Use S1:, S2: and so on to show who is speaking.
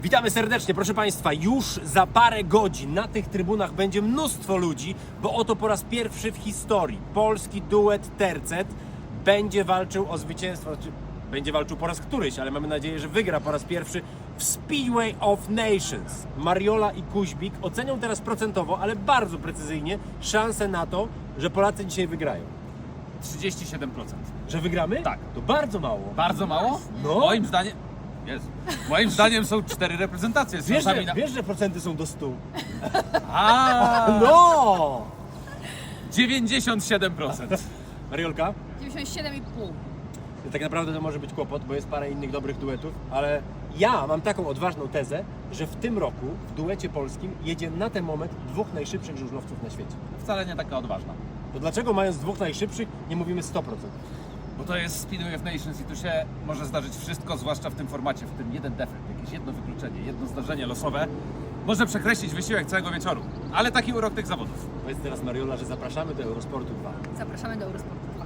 S1: Witamy serdecznie, proszę Państwa, już za parę godzin na tych trybunach będzie mnóstwo ludzi, bo oto po raz pierwszy w historii polski duet tercet będzie walczył o zwycięstwo, czy będzie walczył po raz któryś, ale mamy nadzieję, że wygra po raz pierwszy w Speedway of Nations. Mariola i Kuźbik ocenią teraz procentowo, ale bardzo precyzyjnie szanse na to, że Polacy dzisiaj wygrają.
S2: 37%.
S1: Że wygramy?
S2: Tak.
S1: To bardzo mało.
S2: Bardzo mało?
S1: No.
S2: Moim zdaniem... Jezu. Moim zdaniem są 4 reprezentacje z
S1: Wiesz,
S2: szansami na...
S1: wiesz, że procenty są do 100?
S2: No!
S1: No!
S2: 97%.
S1: Mariolka?
S3: 97,5.
S1: Tak naprawdę to może być kłopot, bo jest parę innych dobrych duetów, ale ja mam taką odważną tezę, że w tym roku w duecie polskim jedzie na ten moment dwóch najszybszych żużlowców na świecie.
S2: Wcale nie taka odważna.
S1: To dlaczego mając dwóch najszybszych nie mówimy 100%?
S2: Bo to jest Speedway of Nations i tu się może zdarzyć wszystko, zwłaszcza w tym formacie, w tym jeden defekt, jakieś jedno wykluczenie, jedno zdarzenie losowe może przekreślić wysiłek całego wieczoru. Ale taki urok tych zawodów.
S1: Powiedz teraz Mariola, że zapraszamy do Eurosportu 2.
S3: Zapraszamy do Eurosportu.